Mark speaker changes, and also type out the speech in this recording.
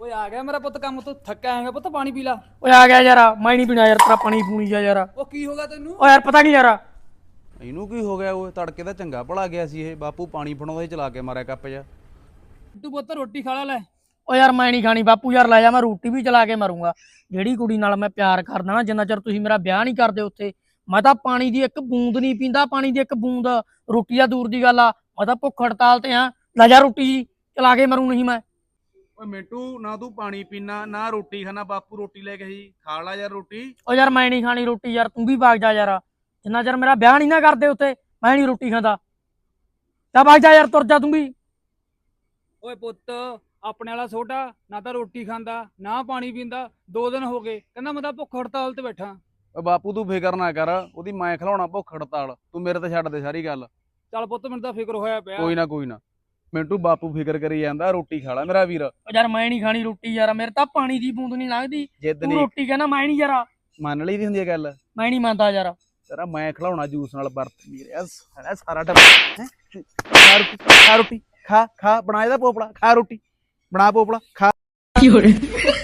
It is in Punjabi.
Speaker 1: ਓਏ ਆ ਗਿਆ ਮੇਰਾ ਪੁੱਤ ਕੰਮ ਤੋਂ ਥੱਕਿਆ ਆਏਗਾ ਪੁੱਤ ਪਾਣੀ ਪੀ ਲਾ।
Speaker 2: ਓਏ ਆ ਗਿਆ ਯਾਰ, ਮੈਂ ਨਹੀਂ ਪੀਣਾ ਯਾਰ ਤੇਰਾ ਪਾਣੀ ਪੂਣੀ ਜਾ ਯਾਰ।
Speaker 1: ਉਹ ਕੀ ਹੋ ਗਿਆ ਤੈਨੂੰ?
Speaker 2: ਓ ਯਾਰ ਪਤਾ ਕੀ ਯਾਰ,
Speaker 3: ਇਹਨੂੰ ਕੀ ਹੋ ਗਿਆ? ਉਹ ਤੜਕੇ ਦਾ ਚੰਗਾ ਭਲਾ ਗਿਆ ਸੀ ਇਹ ਬਾਪੂ ਪਾਣੀ ਫੜਾਉਂਦਾ ਸੀ ਚਲਾ ਕੇ ਮਾਰਿਆ ਕੱਪ ਜਾ।
Speaker 1: ਤੂੰ ਪੁੱਤ ਰੋਟੀ ਖਾ ਲੈ।
Speaker 2: ਓ ਯਾਰ ਮੈਂ ਨਹੀਂ ਖਾਣੀ ਬਾਪੂ ਯਾਰ, ਲੈ ਜਾ ਮੈਂ ਰੋਟੀ ਵੀ ਚਲਾ ਕੇ ਮਰੂੰਗਾ। ਜਿਹੜੀ ਕੁੜੀ ਨਾਲ ਮੈਂ ਪਿਆਰ ਕਰਦਾ ਨਾ, ਜਿੰਨਾ ਚਿਰ ਤੁਸੀਂ ਮੇਰਾ ਵਿਆਹ ਨਹੀਂ ਕਰਦੇ ਉੱਥੇ, ਮੈਂ ਤਾਂ ਪਾਣੀ ਦੀ ਇੱਕ ਬੂੰਦ ਨਹੀਂ ਪੀਂਦਾ, ਪਾਣੀ ਦੀ ਇੱਕ ਬੂੰਦ। ਰੋਟੀ ਆ ਦੂਰ ਦੀ ਗੱਲ ਆ, ਮੈਂ ਤਾਂ ਭੁੱਖ ਹੜਤਾਲ ਤੇ ਆ। ਲੈ ਜਾ ਰੋਟੀ ਚਲਾ ਕੇ ਮਰੂ ਨਹੀਂ ਮੈਂ।
Speaker 3: ਓਏ ਮਿੰਟੂ, ਨਾ ਤੂੰ ਪਾਣੀ ਪੀਣਾ ਨਾ ਰੋਟੀ ਖਾਣਾ, ਬਾਪੂ ਰੋਟੀ ਲੈ ਕੇ ਸੀ, ਖਾ ਲਾ ਯਾਰ ਰੋਟੀ।
Speaker 2: ਓ ਯਾਰ ਮੈਂ ਨਹੀਂ ਖਾਣੀ ਰੋਟੀ ਯਾਰ, ਤੂੰ ਵੀ ਭਾਗ ਜਾ ਯਾਰ। ਜਿੰਨਾ ਚਿਰ ਮੇਰਾ ਵਿਆਹ ਨਹੀਂ ਨਾ ਕਰਦੇ ਉੱਥੇ, ਮੈਂ ਨਹੀਂ ਰੋਟੀ ਖਾਂਦਾ। ਤਾਂ ਭਾਗ ਜਾ ਯਾਰ, ਤੁਰ ਜਾ ਤੂੰ ਵੀ।
Speaker 1: ਓਏ ਪੁੱਤ ਆਪਣੇ ਵਾਲਾ ਛੋਟਾ ਨਾ ਤਾਂ ਰੋਟੀ ਖਾਂਦਾ ਨਾ ਪਾਣੀ ਪੀਂਦਾ, 2 ਦਿਨ ਹੋ ਗਏ ਕਹਿੰਦਾ ਮੈਂ ਤਾਂ ਭੁੱਖ ਹੜਤਾਲ ਤੇ ਬੈਠਾ।
Speaker 3: ਓਏ ਬਾਪੂ ਤੂੰ ਫਿਕਰ ਨਾ ਕਰ, ਉਹਦੀ ਮੈਂ ਖਿਲਾਉਣਾ ਭੁੱਖ ਹੜਤਾਲ, ਤੂੰ ਮੇਰੇ ਤੇ ਛੱਡ ਦੇ ਸਾਰੀ ਗੱਲ।
Speaker 1: ਚੱਲ ਪੁੱਤ ਮੈਨੂੰ ਤਾਂ ਫਿਕਰ ਹੋਇਆ ਪਿਆ।
Speaker 3: ਕੋਈ ਨਾ ਮਿੰਟੂ, ਬਾਪੂ ਫਿਕਰ ਕਰੀ ਜਾਂਦਾ, ਰੋਟੀ ਖਾ ਲਾ ਮੇਰਾ ਵੀਰ।
Speaker 2: ਓ ਯਾਰ ਮੈਂ ਨਹੀਂ ਖਾਣੀ ਰੋਟੀ ਯਾਰ, ਮੇਰੇ ਤਾਂ ਪਾਣੀ ਦੀ ਬੂੰਦ ਨਹੀਂ ਲੰਘਦੀ।
Speaker 3: ਜਿੱਦ
Speaker 2: ਤੂੰ
Speaker 3: ਨਹੀਂ
Speaker 2: ਰੋਟੀ ਕਹਿੰਦਾ ਮੈਂ ਨਹੀਂ ਯਾਰ,
Speaker 3: ਮੰਨ ਲਈ ਦੀ ਹੁੰਦੀ ਹੈ ਗੱਲ।
Speaker 2: ਮੈਂ ਨਹੀਂ ਮੰਨਦਾ ਯਾਰ।
Speaker 3: ਤੇਰਾ ਮੈਂ ਖਿਲਾਉਣਾ ਜੂਸ ਨਾਲ ਬਰਫ ਵੀਰ, ਸਾਰਾ ਟੱਬਰ ਹੈਂ? ਖਾ ਰੋਟੀ ਖਾ ਬਣਾ ਇਹਦਾ ਪੋਪੜਾ, ਖਾ ਰੋਟੀ ਬਣਾ ਪੋਪੜਾ ਖਾ।